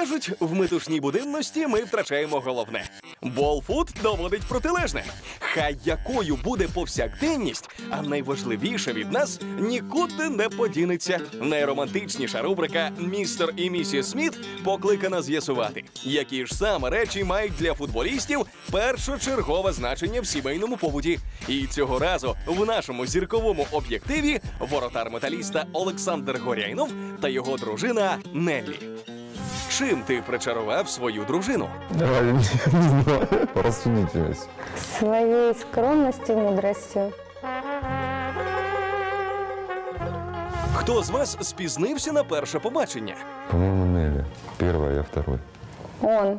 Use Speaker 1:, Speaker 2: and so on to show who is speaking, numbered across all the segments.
Speaker 1: Кажуть, в метушній буденності ми втрачаємо головне. Болфуд доводить протилежне. Хай якою буде повсякденність, а найважливіше від нас нікуди не подінеться. Найромантичніша рубрика «Містер і місіс Сміт» покликана з'ясувати, які ж саме речі мають для футболістів першочергове значення в сімейному побуті. І цього разу в нашому зірковому об'єктиві воротар металіста Олександр Горяйнов та його дружина Неллі. Чим ти причарував свою дружину?
Speaker 2: Не знаю, рассудительность.
Speaker 3: Своей скромностью, мудростью.
Speaker 1: Хто з вас спізнився на перше побачення?
Speaker 2: По-моему, Нелли. Первая, я второй.
Speaker 3: Он.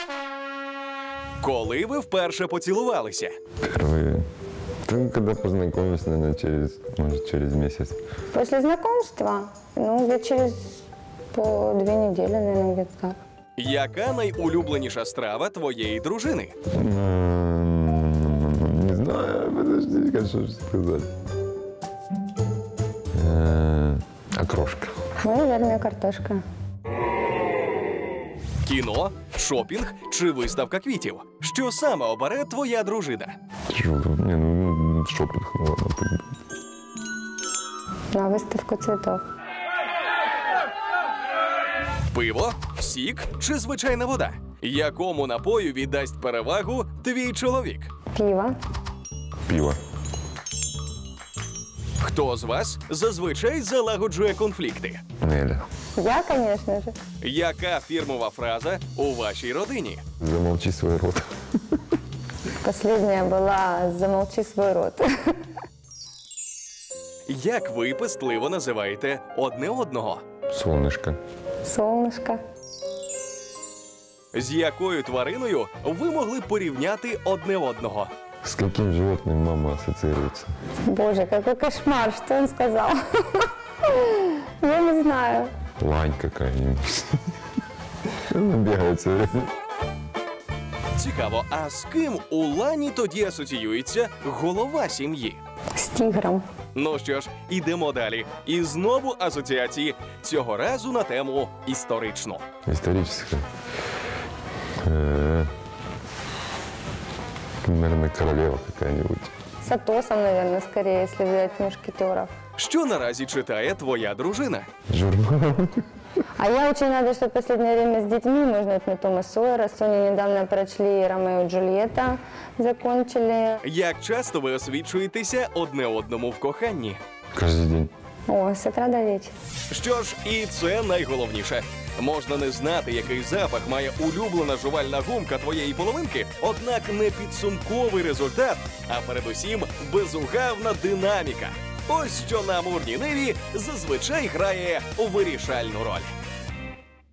Speaker 1: Коли ви вперше поцілувалися?
Speaker 2: Впервые. Ну, когда познакомились, наверное, через месяц.
Speaker 3: После знакомства, где через по 2 недели, наверное, где-то так.
Speaker 1: Яка найулюбленіша страва твоєї дружини?
Speaker 2: Не знаю, подожди, что же сказать. Окрошка.
Speaker 3: Наверное, картошка.
Speaker 1: Кіно, шопінг чи виставка квітів? Що саме обере твоя дружина?
Speaker 2: Шопинг, ладно, пойду.
Speaker 3: На выставку цветов.
Speaker 1: Пиво, сік чи звичайна вода? Якому напою віддасть перевагу твій чоловік?
Speaker 3: Пиво.
Speaker 2: Пиво.
Speaker 1: Хто з вас зазвичай залагоджує конфлікти?
Speaker 2: Неля.
Speaker 3: Я, конечно же.
Speaker 1: Яка фірмова фраза у вашій родині?
Speaker 2: Замолчи свой рот.
Speaker 3: Последняя была «замолчи свой рот».
Speaker 1: Як ви пестливо називаєте одне одного?
Speaker 2: Солнышко.
Speaker 3: Солнышко.
Speaker 1: З якою твариною ви могли б порівняти одне одного?
Speaker 2: С каким животным мама ассоциируется?
Speaker 3: Боже, какой кошмар, что он сказал? Я не знаю.
Speaker 2: Лань какая-нибудь. Она бегает все время.
Speaker 1: Цікаво, а з ким у Лані тоді асоціюється голова сім'ї?
Speaker 3: С тигром.
Speaker 1: Ну що ж, ідемо далі. І знову асоціації. Цього разу на тему історичну.
Speaker 2: Историческая. Наверное, королева какая-нибудь.
Speaker 3: С Атосом, наверное, скорее, если взять мушкетеров.
Speaker 1: Що наразі читає твоя дружина?
Speaker 2: Журнал.
Speaker 3: А я очень рада, что в последнее время с детьми можно на Тома Сойера. С Соней недавно прочли «Ромео и Джульетта», закончили.
Speaker 1: Як часто ви освічуєтеся одне одному в коханні?
Speaker 2: Каждый день.
Speaker 3: О, с утра до вечера.
Speaker 1: Що ж, і це найголовніше. Можна не знати, який запах має улюблена жувальна гумка твоєї половинки, однак не підсумковий результат, а передусім безугавна динаміка. Ось що на амурній ниві зазвичай грає вирішальну роль.